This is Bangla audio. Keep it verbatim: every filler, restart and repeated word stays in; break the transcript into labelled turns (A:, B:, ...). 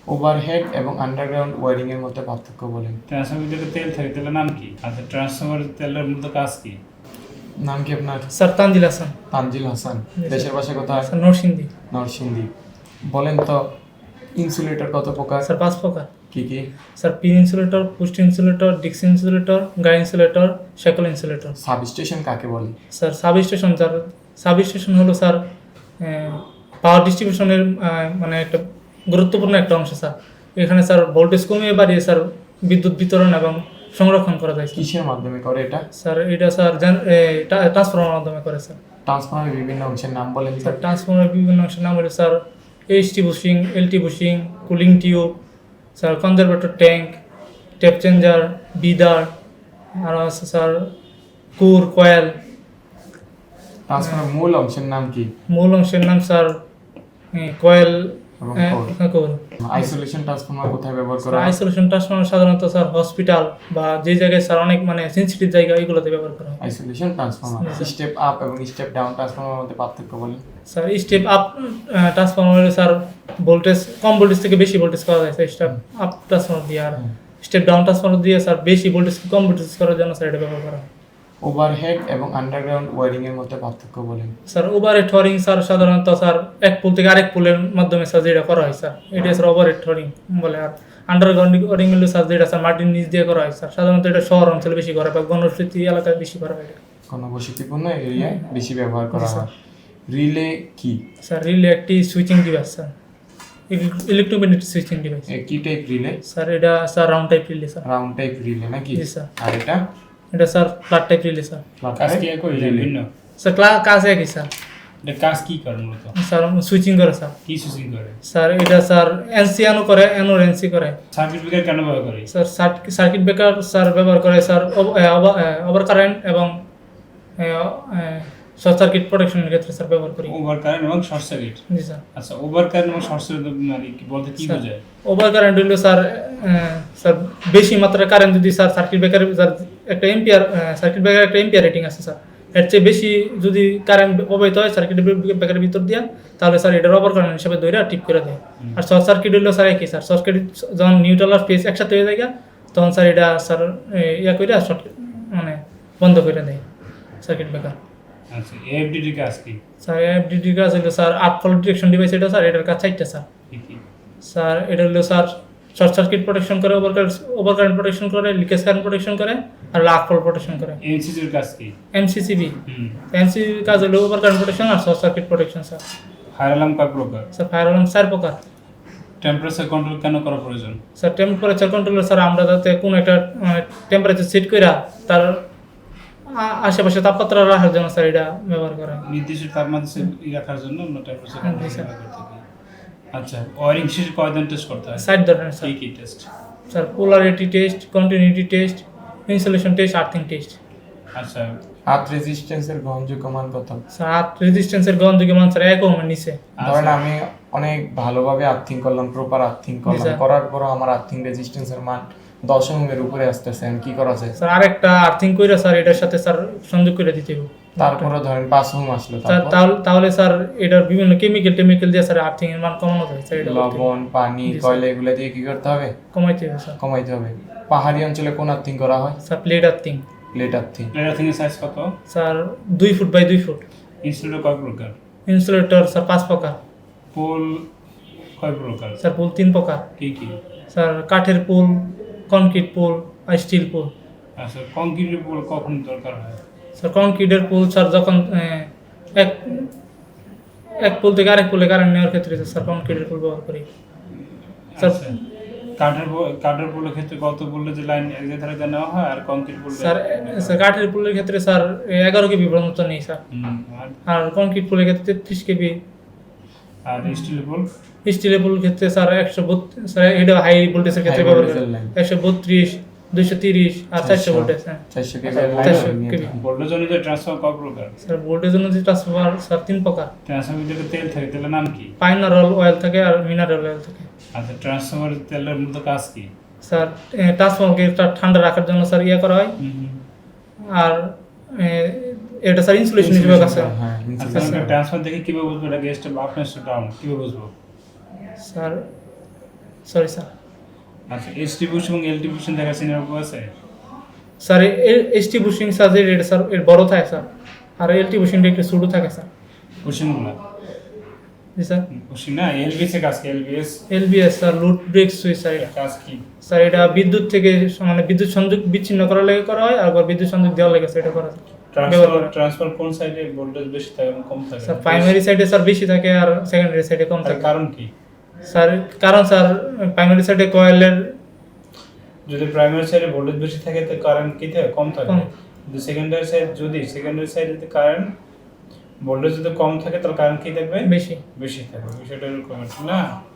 A: ওভারহেড এবং আন্ডারগ্রাউন্ড ওয়্যারিং এর মধ্যে পার্থক্য বলেন।
B: ট্রান্সফরমারের ভিতরে তেল থাকে, তেলের নাম কি? আচ্ছা, ট্রান্সফরমারের তেলের মূলত কাজ কি?
A: নাম কি আপনার?
C: স্যার তানজিল হাসান।
A: তানজিল হাসান।
C: স্যার।
A: দেশের বাসা কোথায়?
C: স্যার নরসিংদী।
A: নরসিংদী। বলেন তো ইনসুলেটর কত প্রকার?
C: স্যার পাঁচ প্রকার।
A: কি কি?
C: Sir pin insulator, post insulator, ডিক্স insulator, guy insulator, shackle insulator.
A: Substation কাকে বলে?
C: স্যার সাবস্টেশন স্যার সাবস্টেশন হলো স্যার পাওয়ার ডিস্ট্রিবিউশনের মানে একটা গুরুত্বপূর্ণ একটা অংশ স্যার। এখানে স্যার ভোল্টেজ কমিয়ে বাড়িয়ে স্যার বিদ্যুৎ বিতরণ এবং সংরক্ষণ করা যায়।
A: কিসের মাধ্যমে করে এটা?
C: স্যার এটা স্যার ট্রান্সফরমার মাধ্যমে করে স্যার।
A: ট্রান্সফরমারের বিভিন্ন অংশের নাম বলেন
C: স্যার
A: স্যার।
C: ট্রান্সফরমারের বিভিন্ন অংশের নাম হলো sir HT bushing, LT bushing, cooling tube, sir conservator tank, tap changer, breather, আর আছে স্যার কুর, কয়েল।
A: ট্রান্সফরমারের মূল অংশের নাম কি?
C: মূল অংশের নাম স্যার কয়েল
A: এবং
C: কোর।
A: আইসোলেশন ট্রান্সফরমার কোথায় ব্যবহার করা হয়?
C: আইসোলেশন ট্রান্সফরমার সাধারণত স্যার হসপিটাল বা যে জায়গায় স্যার অনেক মানে সেনসিটিভ জায়গা এগুলোতে ব্যবহার করা হয়।
A: Isolation transformer. স্টেপ আপ এবং স্টেপ ডাউন ট্রান্সফরমারের মধ্যে পার্থক্য বলেন।
C: স্যার স্টেপ আপ ট্রান্সফরমারে স্যার ভোল্টেজ কম ভোল্টেজ থেকে বেশি ভোল্টেজ করা যায় স্যার স্টেপ আপ ট্রান্সফরমার দিয়ে। আর স্টেপ ডাউন ট্রান্সফরমার দিয়ে স্যার বেশি ভোল্টেজ কম ভোল্টেজ করার জন্য স্যার এটা ব্যবহার করা হয়।
A: ওভারহেড এবং আন্ডারগ্রাউন্ড ওয়্যারিং এর মধ্যে পার্থক্য বলেন।
C: স্যার ওভারহেড ওয়্যারিং স্যার সাধারণত স্যার এক পোল থেকে আরেক পোলের মাধ্যমে স্যার যেটা করা হয় স্যার এটা স্যার ওভারহেড ওয়্যারিং বলে। আর আন্ডারগ্রাউন্ড ওয়্যারিং হলো স্যার যেটা স্যার মাটির নিচ দিয়ে করা হয় স্যার সাধারণত এটা শহর অঞ্চলে বেশি করা হয় বা ঘনবসতি এলাকায় বেশি করা হয়।
A: ঘনবসতিপূর্ণ এরিয়ায় বেশি ব্যবহার করা হয়। রিলে কি?
C: স্যার রিলে একটি switching device sir, electromagnetic switching device.
A: কি টাইপ রিলে?
C: স্যার এটা sir round type relay sir.
A: Round type relay নাকি?
C: জি স্যার।
A: আর এটা?
C: এটা sir flat type relay sir.
B: কাজ কি একই ভিন্ন?
C: স্যার কাজ একই স্যার।
B: এটা কাজ কি করে মূলত?
C: স্যার সুইচিং করে স্যার।
B: কি সুইচিং করে?
C: স্যার এটা স্যার এনসি আনো করে, এনো এনসি করে।
B: সার্কিট ব্রেকার কেন ব্যবহার করে?
C: স্যার সার্কিট ব্রেকার স্যার ব্যবহার করে স্যার ওভার কারেন্ট এবং শর্ট সার্কিট প্রোটেকশনের ক্ষেত্রে স্যার ব্যবহার করি।
B: ওভার কারেন্ট এবং শর্ট সার্কিট।
C: জি স্যার।
B: আচ্ছা, ওভার কারেন্ট এবং শর্ট সার্কিট মানে কি বলতে কি বোঝায়?
C: ওভার কারেন্ট হলো স্যার স্যার বেশি মাত্রায় কারেন্ট যদি স্যার সার্কিট ব্রেকার স্যার একটা এম্পিয়ার সার্কিট ব্রেকার একটা এম্পিয়ার রেটিং আছে স্যার, এর চেয়ে বেশি যদি কারেন্ট প্রবাহিত হয় সার্কিট ব্রেকারের ভিতর দিয়া তাহলে স্যার এটার ওভার কারেন্ট হিসাবে ধরে টিপ করে দেয়। আর শর্ট সার্কিট হলো স্যার একই স্যার, শর্ট সার্কিট যখন নিউট্রাল আর ফেজ একসাথে হয়ে যায় তখন স্যার এটা স্যার ইয়া করে শর্ট মানে বন্ধ করে দেয় সার্কিট ব্রেকার।
B: আচ্ছা, এএফডিডি কাজ কি?
C: স্যার এএফডিডি কাজ হলো স্যার আপ ফল্ট ডিটেকশন ডিভাইস এটা স্যার, এটার কাজ চারটা স্যার।
B: কি কি?
C: স্যার এটা হলো স্যার শর্ট সার্কিট প্রোটেকশন করে, over current over current protection করে, লিকেজ কারেন্ট প্রোটেকশন করে আর আপ ফল্ট প্রোটেকশন করে।
B: এমসিসির কাজ কি?
C: এমসিসিবি
B: হুম।
C: এমসিসিবি কাজ হলো ওভার কারেন্ট প্রোটেকশন আর short circuit protection sir.
B: Fire alarm কয় প্রকার?
C: স্যার ফায়ার অ্যালার্ম চার প্রকার।
B: টেম্পারেচার কন্ট্রোল কেন করা প্রয়োজন?
C: স্যার টেম্পারেচার কন্ট্রোল স্যার আমরা যাতে কোনো একটা টেম্পারেচার সেট করে তার আশেপাশে তাপমাত্রা রাখার জন্য স্যার এটা ব্যবহার করা হয়।
B: নির্দিষ্ট তাপমাত্রা রাখার জন্য আমরা টেম্পারেচার
C: জি
B: কন্ট্রোল
C: স্যার।
B: ব্যবহার করতে পারি। আচ্ছা, ওয়ারিং শেষে কয়দিন টেস্ট করতে হয়?
C: সাইড ধরনের স্যার।
B: কি কি টেস্ট?
C: Sir polarity test, continuity test, insulation test, earthing test.
B: আচ্ছা,
A: আর্থ রেজিস্ট্যান্সের গ্রহণযোগ্য মান কত?
C: স্যার আর্থ রেজিস্ট্যান্সের গ্রহণযোগ্য মান স্যার এক ওহমের নিচে।
A: ধরেন আমি অনেক ভালোভাবে আর্থিং করলাম, প্রপার আর্থিং করলাম,
C: স্যার।
A: করার পরও আমার আর্থিং রেজিস্ট্যান্সের মান দশ ওহমের উপরে আসতেছে, আমি কি করা যায়?
C: স্যার আরেকটা আর্থিং কইরা স্যার এটার সাথে স্যার সংযোগ করে দিতে হবে।
A: তারপরে ধরেন পাঁচ ওহম আসলো,
C: স্যার
A: তারপর
C: তাহলে তাহলে স্যার এটার বিভিন্ন কেমিক্যাল টেমিক্যাল দিয়ে স্যার আর্থিং এর মান কমানো যায় স্যার। এটা
A: লবণ, পানি,
C: জি স্যার।
A: কয়লা এগুলো দিয়ে কি করতে হবে?
C: কমাইতে হবে স্যার।
A: কমাইতে হবে। পাহাড়ি অঞ্চলে কোন আর্থিং করা হয়?
C: Sir plate earthing.
A: Plate earthing.
B: প্লেয়ার থেকে সাইজ কত?
C: স্যার দুই ফুট বাই দুই ফুট।
B: ইনসুলেটর কয় প্রকার?
C: ইনসুলেটর স্যার পাঁচ প্রকার।
B: পোল কয় প্রকার?
C: স্যার পুল তিন প্রকার।
B: কি কি?
C: স্যার কাঠের পুল, কনক্রিট পুল আর স্টিল পুল।
B: আচ্ছা, কংক্রিটের পোল কখন দরকার হয়?
C: স্যার কনক্রিটের পুল স্যার যখন আহ, এক এক পুল থেকে আরেক পুলে কারেন্ট নেওয়ার ক্ষেত্রে স্যার কনক্রিটের পুল ব্যবহার করি। স্যার
B: আচ্ছা, কাঠের পো- কাঠের পোলের ক্ষেত্রে কত বললে যে লাইন এক জায়গা থেকে নেওয়া হয়, আর কংক্রিট পোল?
C: স্যার স্যার কাঠের পুলের ক্ষেত্রে স্যার এগারো কেবি পর্যন্ত নেই স্যার।
B: আর
C: আর কনক্রিট পুলের ক্ষেত্রে তেত্রিশ কেবি।
B: আর স্টিল পোল?
C: স্টিলের পুলের ক্ষেত্রে স্যার একশো বত্রিশ স্যার এটা হাই ভোল্টেজের ক্ষেত্রে
A: High
C: ব্যবহার
A: voltage
C: করি।
A: এর line।
C: একশো বত্রিশ, দুইশো তিরিশ আর চারশো ভোল্টেজ। হ্যাঁ
A: চারশো কেবি
C: চারশো
A: লাইন
C: কেবি।
B: ভোল্টেজ জনিত ট্রান্সফর্মার কয় প্রকার?
C: স্যার ভোল্টেজ অনুযায়ী ট্রান্সফরমার স্যার তিন প্রকার।
B: ট্রান্সফর্মার ভিতরে তেল থাকে, তেলের নাম কি?
C: পাইনারল অয়েল থাকে আর মিনারেল অয়েল থাকে।
B: আচ্ছা, ট্রান্সফর্মারের তেলের মূলত কাজ কি?
C: স্যার ট্রান্সফরমারকে ঠান্ডা রাখার জন্য স্যার ইয়ে করা হয়। আর এ, এটা স্যার ইনসুলেশন হিসেবে কাজ করে।
A: হ্যাঁ,
B: আচ্ছা,
A: insulation।
B: ট্রান্সফর্মার দেখে কিভাবে বুঝবো এটা গেস্ট আপ না ডাউন, কিভাবে বুঝবো?
C: স্যার সরি স্যার
B: আচ্ছা এসটি বুশ এবং এলটি বুশিং দেখা সিনারি আছে
C: স্যার এসটি বুশিং স্যার যে এটা স্যার এর বড় থাকে স্যার আর এলটি বুশিংটা একটু ছোটো থাকে স্যার
B: বুশিংগুলো
C: জি স্যার
B: বুশিং না এলবিএস এর কাজ কি LBS
C: LBS sir load break switch sir এটা
B: কাজ কি
C: স্যার এটা বিদ্যুৎ থেকে মানে বিদ্যুৎ সংযোগ বিচ্ছিন্ন করার লাগে করা হয় আর বিদ্যুৎ সংযোগ দেওয়ার লাগে স্যার এটা করা যায়। ব্যবহার
B: ট্রান্সফার
C: করা।
B: ট্রান্সফার কোন সাইডে ভোল্টেজ বেশি থাকে এবং কম থাকে
C: স্যার প্রাইমারি সাইডে স্যার বেশি থাকে আর সেকেন্ডারি সাইডে কম
B: তার
C: থাকে
B: কারণ কি
C: স্যার কারণ স্যার প্রাইমারি সাইডে কয়েলের
B: যদি প্রাইমারি সাইডে ভোল্টেজ বেশি থাকে তো কারেন্ট কি থাকে কম থাকে
C: কম।
B: যদি সেকেন্ডারি সাইড যদি সেকেন্ডারি সাইডে কারেন্ট ভোল্টেজ যদি কম থাকে তাহলে কারেন্ট কি থাকবে
C: বেশি
B: বেশি থাকবে বিষয়টা এরকম না